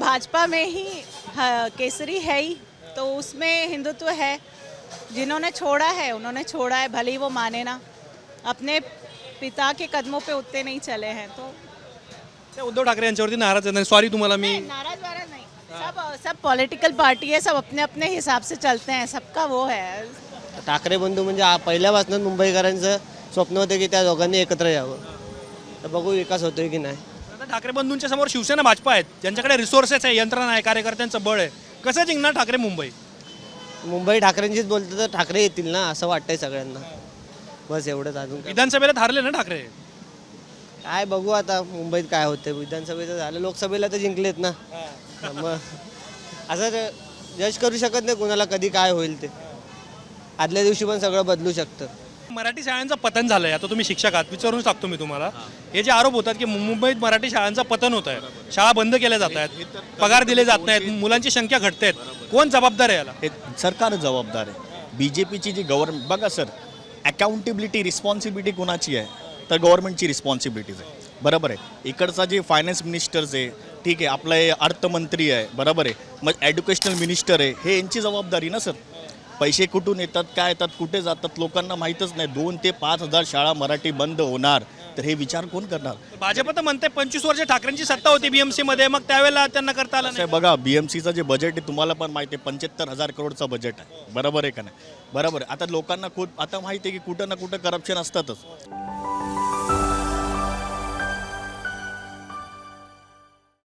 भाजपा में ही केसरी है ही, तो उसमें हिंदुत्व है। जिन्होंने छोड़ा है उन्होंने छोड़ा है, भले ही वो माने ना, अपने पिता के कदमों पे उतने नहीं चले हैं। तो त्या उद्धव ठाकरे यांच्यावरती नाराज आहेत. सॉरी तुम्हाला मी नाराज वाराज नहीं, सब पॉलिटिकल पार्टी है, सब अपने अपने हिसाब से चलते हैं, सबका वो है। ठाकरे बंधू म्हणजे पहिल्यापासूनच मुंबईकरांचं स्वप्न होतं की त्या दोघांनी एकत्र यावं. तर बघू विकास होतोय की नाही. आता ठाकरे बंधूंच्या समोर शिवसेना भाजपा आहेत, ज्यांच्याकडे रिसोर्सेस आहे, यंत्रणा आहे, कार्यकर्त्यांचं बळ आहे. कसं जिंकणार ठाकरे मुंबई? मुंबई ठाकरेंचीच बोलतं तर ठाकरे येतील ना असं वाटतंय सगळ्यांना. बस एवढंच. अजून काय. विधानसभेला हारले ना ठाकरे. काय बघू आता मुंबईत काय होतं. विधानसभेचं झालं, लोकसभेला तर जिंकलेत ना. मग असं जज करू शकत नाही कुणाला कधी काय होईल ते. आदल्या दिवशी पण सगळं बदलू शकतं. मराठी शाळांचं पतन झालंय. आता तुम्ही शिक्षक आहात, विचारून टाकतो मी तुम्हाला. हे जे आरोप होतात की मुंबईत मराठी शाळांचं पतन होत आहे, शाळा बंद केल्या जात आहेत, पगार दिले जात नाहीत, मुलांची संख्या घटते आहेत, कोण जबाबदार आहे याला? हे सरकार जबाबदार आहे. बीजेपीची जी गव्हर्नमेंट बघा सर, अकाउंटेबिलिटी रिस्पॉन्सिबिलिटी कोणाची आहे? तर गव्हर्नमेंटची रिस्पॉन्सिबिलिटीज आहे. बरोबर आहे. इकडचा जे फायनान्स मिनिस्टर्स आहे, ठीक आहे, आपला हे अर्थमंत्री आहे, बरोबर आहे, मग एज्युकेशनल मिनिस्टर आहे, हे यांची जबाबदारी ना सर. पैसे कुठून येतात, काय येतात, कुठे जातात, लोकांना माहीतच नाही. 2 ते 5,000 शाळा मराठी बंद होणार, तर हे विचार कोण करणार? भाजप तर म्हणते 25 वर्ष ठाकरेंची सत्ता होती बीएमसी मध्ये, मग त्यावेळेला त्यांना करता आलं नाही. बघा, बीएमसीचं जे बजेट आहे तुम्हाला पण माहिती आहे, 75,000 करोडचं बजेट आहे. बरोबर आहे का नाही? बरोबर आहे. आता लोकांना खूप आता माहिती आहे की कुठं ना कुठं करप्शन असतातच.